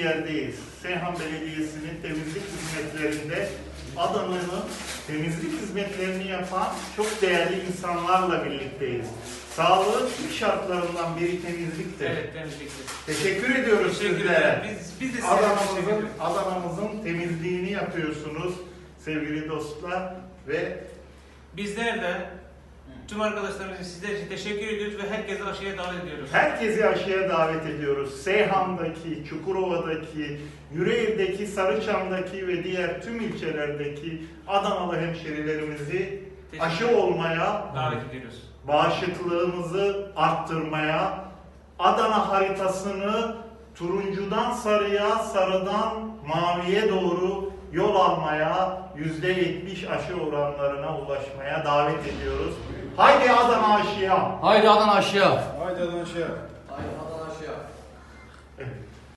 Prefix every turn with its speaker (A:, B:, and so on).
A: yerdeyiz. Seyhan Belediyesi'nin temizlik hizmetlerinde Adana'nın temizlik hizmetlerini yapan çok değerli insanlarla birlikteyiz. Sağlığın ilk şartlarından biri temizliktir.
B: Evet, temizliktir.
A: Teşekkür ediyoruz sizlere.
B: Biz de size teşekkür ediyoruz.
A: Adana'mızın temizliğini yapıyorsunuz sevgili dostlar ve
B: Bizler de tüm arkadaşlarımızın sizler için teşekkür ediyoruz ve herkese aşıya davet ediyoruz.
A: herkesi aşıya davet ediyoruz. Seyhan'daki, Çukurova'daki, Yüreğir'deki, Sarıçam'daki ve diğer tüm ilçelerdeki Adanalı hemşerilerimizi aşı olmaya,
B: davet ediyoruz.
A: bağışıklığımızı arttırmaya, Adana haritasını turuncudan sarıya, sarıdan maviye doğru yol almaya, %70 aşı oranlarına ulaşmaya davet ediyoruz. Haydi Adana aşıya!
C: Haydi Adana aşağı.
D: Haydi Adana aşağı.
E: Haydi Adana aşağı.
A: Evet.